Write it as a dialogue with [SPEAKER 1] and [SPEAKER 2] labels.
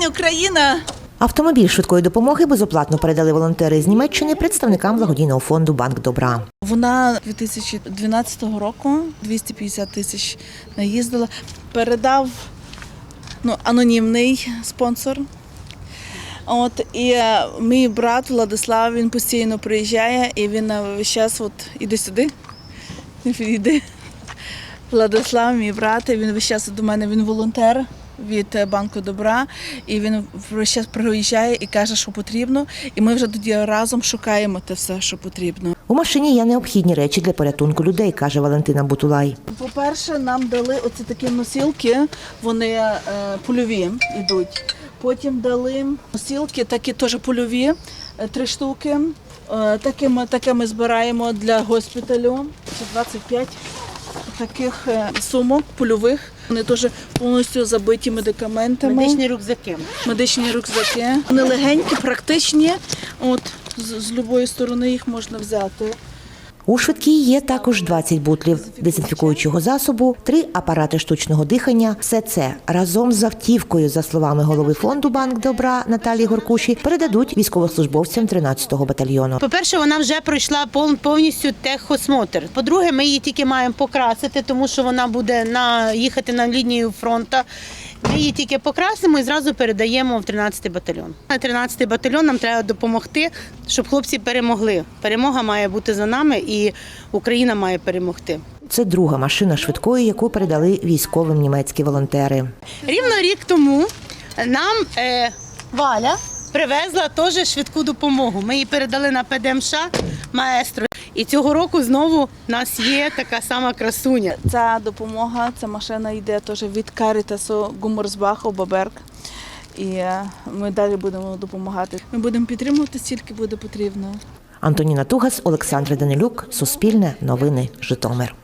[SPEAKER 1] Україна!
[SPEAKER 2] Автомобіль швидкої допомоги безоплатно передали волонтери з Німеччини представникам благодійного фонду «Банк добра».
[SPEAKER 1] Вона 2012 року 250 тисяч наїздила. Передав анонімний спонсор. І мій брат Владислав, він постійно приїжджає і він весь час іди сюди, іди. Владислав, мій брат, він весь час до мене, він волонтер від «Банку добра», і він весь час приїжджає і каже, що потрібно, і ми вже тоді разом шукаємо те все, що потрібно.
[SPEAKER 2] У машині є необхідні речі для порятунку людей, каже Валентина Бутулай.
[SPEAKER 1] По-перше, нам дали оці такі носілки, вони польові йдуть. Потім дали носілки, такі теж польові, 3 штуки. Таке ми збираємо для госпіталю. Це 25 таких сумок польових. Вони теж повністю забиті медикаментами. Медичні рюкзаки. Вони легенькі, практичні. З будь-якої сторони їх можна взяти.
[SPEAKER 2] У швидкій є також 20 бутлів дезінфікуючого засобу, 3 апарати штучного дихання. Все це разом з автівкою, за словами голови фонду «Банк добра» Наталії Горкуші, передадуть військовослужбовцям 13-го батальйону.
[SPEAKER 3] По-перше, вона вже пройшла повністю техосмотр. По-друге, ми її тільки маємо покрасити, тому що вона буде їхати на лінію фронту. Ми її тільки покрасимо і зразу передаємо в 13-й батальйон. 13-й батальйон нам треба допомогти, щоб хлопці перемогли. Перемога має бути за нами і Україна має перемогти.
[SPEAKER 2] Це друга машина швидкої, яку передали військовим німецькі волонтери.
[SPEAKER 3] Рівно рік тому нам Валя привезла теж швидку допомогу. Ми її передали на ПДМШ «Маестро». І цього року знову в нас є така сама красуня.
[SPEAKER 1] Ця допомога, ця машина йде теж від Карітасу Гумерсбаху, Баберг. І ми далі будемо допомагати. Ми будемо підтримувати, стільки буде потрібно.
[SPEAKER 2] Антоніна Тугас, Олександр Данилюк, Суспільне, Новини, Житомир.